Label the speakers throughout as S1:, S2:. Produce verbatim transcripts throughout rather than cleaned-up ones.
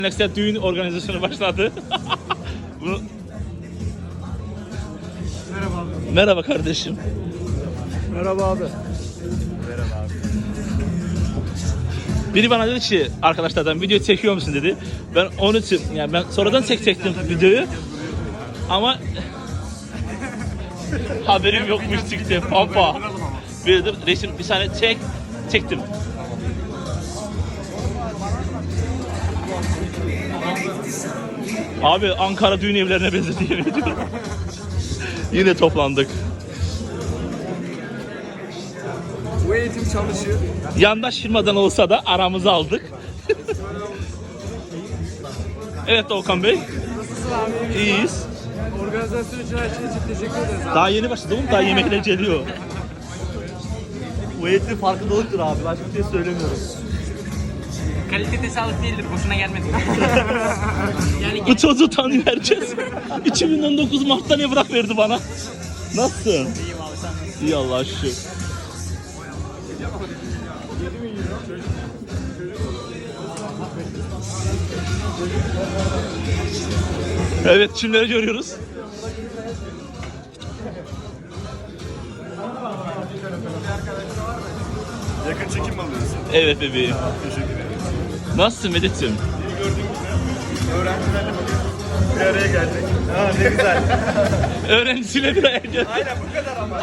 S1: Nextel düğün organizasyonu başladı. Bunu...
S2: Merhaba abi.
S1: Merhaba kardeşim.
S2: Merhaba abi. Merhaba abi.
S1: Biri bana dedi ki arkadaşlardan video çekiyor musun dedi. Ben onun için yani ben sonradan çekecektim videoyu. Ama haberim yokmuş çıktı. Pampa. Bir de resim bir saniye çek çektim. Abi Ankara düğün evlerine benzedi yemin ediyorum. Yine toplandık.
S2: Bu eğitim çalışıyor.
S1: Yandaş firmadan olsa da aramızı aldık. Evet Okan Bey.
S2: Nasılsın abi?
S1: İyiyiz.
S2: Organizasyon için her şey için teşekkür ederiz abi.
S1: Daha yeni başladım. Daha yemekler geliyor.
S3: Bu eğitim farkındalıktır abi. Başka bir şey söylemiyorum.
S4: Kalite sağlık değildir, boşuna gelmedik. Yani
S1: Bu çocuğu tanıyor herkes. iki bin on dokuz Mart'ta ne bırak verdi bana. Nasılsın?
S4: iyiyim abi sen.
S1: İyi Allah'a şükür. Evet, kimleri görüyoruz?
S2: Yakın çekim alıyorsun.
S1: Evet bebeğim.
S2: Teşekkür ederim.
S1: Nasılsın Medet'ciğim?
S2: İyi gördüğünüz gibi öğrencilerle bugün bir araya geldik. Ha ne güzel.
S1: Öğrencisiyle bir araya geldik.
S2: Aynen bu kadar ama.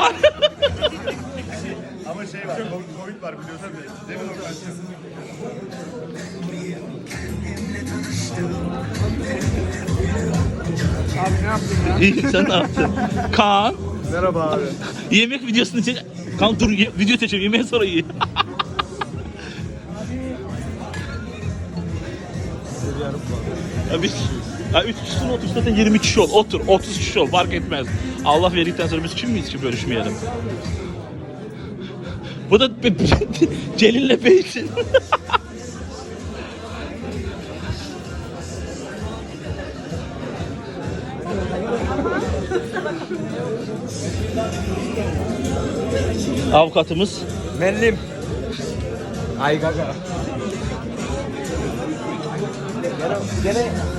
S2: Ama şey var, Covid var biliyorsun değil mi organizasyon? Abi ne yaptın ya?
S1: İyi, sen ne yaptın? Kaan,
S2: Merhaba abi.
S1: yemek videosunu çek. Kaan dur, ye- video çekeceğim, yemeğe sonra ye. Ya biz ya üç kişinin otur zaten yirmi kişi ol. Otur, otuz kişi ol fark etmez. Allah verdikten sonra biz kim miyiz ki bölüşmeyelim? Bu da Celil'le Beysin. Avukatımız.
S2: Mellim. Ay gaga. Gene, gene